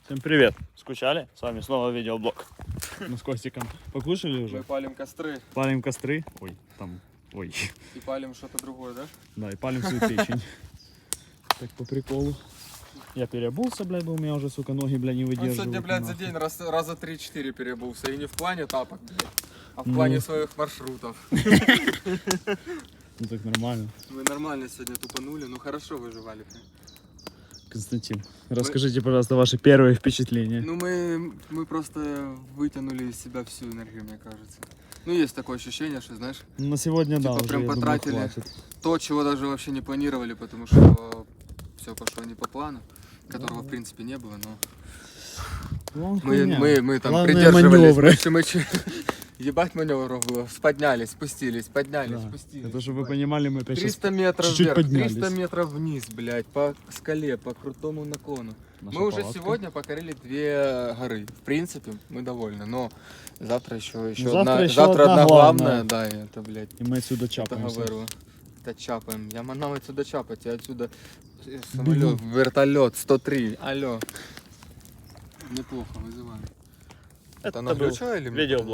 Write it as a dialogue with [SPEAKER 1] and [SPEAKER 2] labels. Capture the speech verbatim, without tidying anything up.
[SPEAKER 1] Всем привет! Скучали? С вами снова видеоблог. Мы с Костиком покушали уже?
[SPEAKER 2] Мы палим костры.
[SPEAKER 1] Палим костры. Ой, там, ой.
[SPEAKER 2] И палим что-то другое, да?
[SPEAKER 1] Да, и палим свою печень. Так по приколу. Я переобулся, блядь, бо у меня уже, сука, ноги, блядь, не
[SPEAKER 2] Он
[SPEAKER 1] выдерживают.
[SPEAKER 2] сегодня, блядь, за
[SPEAKER 1] нахуй.
[SPEAKER 2] день раз, раза три-четыре переобулся. И не в плане тапок, блядь, а в
[SPEAKER 1] Ну.
[SPEAKER 2] плане своих маршрутов.
[SPEAKER 1] Ну так нормально.
[SPEAKER 2] Мы нормально сегодня тупанули, ну хорошо выживали.
[SPEAKER 1] Константин, расскажите, пожалуйста, ваши первые впечатления.
[SPEAKER 2] Ну мы, мы просто вытянули из себя всю энергию, мне кажется. Ну есть такое ощущение, что, знаешь,
[SPEAKER 1] На сегодня, да,
[SPEAKER 2] типа
[SPEAKER 1] уже,
[SPEAKER 2] прям
[SPEAKER 1] я думаю,
[SPEAKER 2] потратили.
[SPEAKER 1] хватит.
[SPEAKER 2] то, чего даже вообще не планировали, потому что все пошло не по плану, которого, в принципе, не было, но
[SPEAKER 1] Главное,
[SPEAKER 2] мы,
[SPEAKER 1] хуйня.
[SPEAKER 2] мы, мы там
[SPEAKER 1] Главное,
[SPEAKER 2] придерживались.
[SPEAKER 1] маневры.
[SPEAKER 2] Больше мы че- Ебать маневров было. Поднялись, спустились, поднялись,
[SPEAKER 1] Да.
[SPEAKER 2] спустились.
[SPEAKER 1] Это чтобы вы
[SPEAKER 2] ебать.
[SPEAKER 1] понимали, мы опять сейчас
[SPEAKER 2] триста метров
[SPEAKER 1] чуть-чуть
[SPEAKER 2] вверх,
[SPEAKER 1] поднялись.
[SPEAKER 2] триста метров вниз, блядь, по скале, по крутому наклону.
[SPEAKER 1] Наша
[SPEAKER 2] мы уже
[SPEAKER 1] палатка.
[SPEAKER 2] сегодня покорили две горы. В принципе, мы довольны, но завтра еще, еще
[SPEAKER 1] Завтра
[SPEAKER 2] одна,
[SPEAKER 1] еще
[SPEAKER 2] завтра
[SPEAKER 1] одна
[SPEAKER 2] одна
[SPEAKER 1] главная.
[SPEAKER 2] главная, да, и это, блядь,
[SPEAKER 1] И мы отсюда
[SPEAKER 2] это
[SPEAKER 1] чапаемся.
[SPEAKER 2] говорю. Это чапаем. Я манал отсюда чапать, я отсюда э,
[SPEAKER 1] Бегу.
[SPEAKER 2] самолет, вертолет, сто три, алло. Неплохо, вызываем.
[SPEAKER 1] Это
[SPEAKER 2] Она
[SPEAKER 1] был
[SPEAKER 2] включила или мне?
[SPEAKER 1] видеоблог.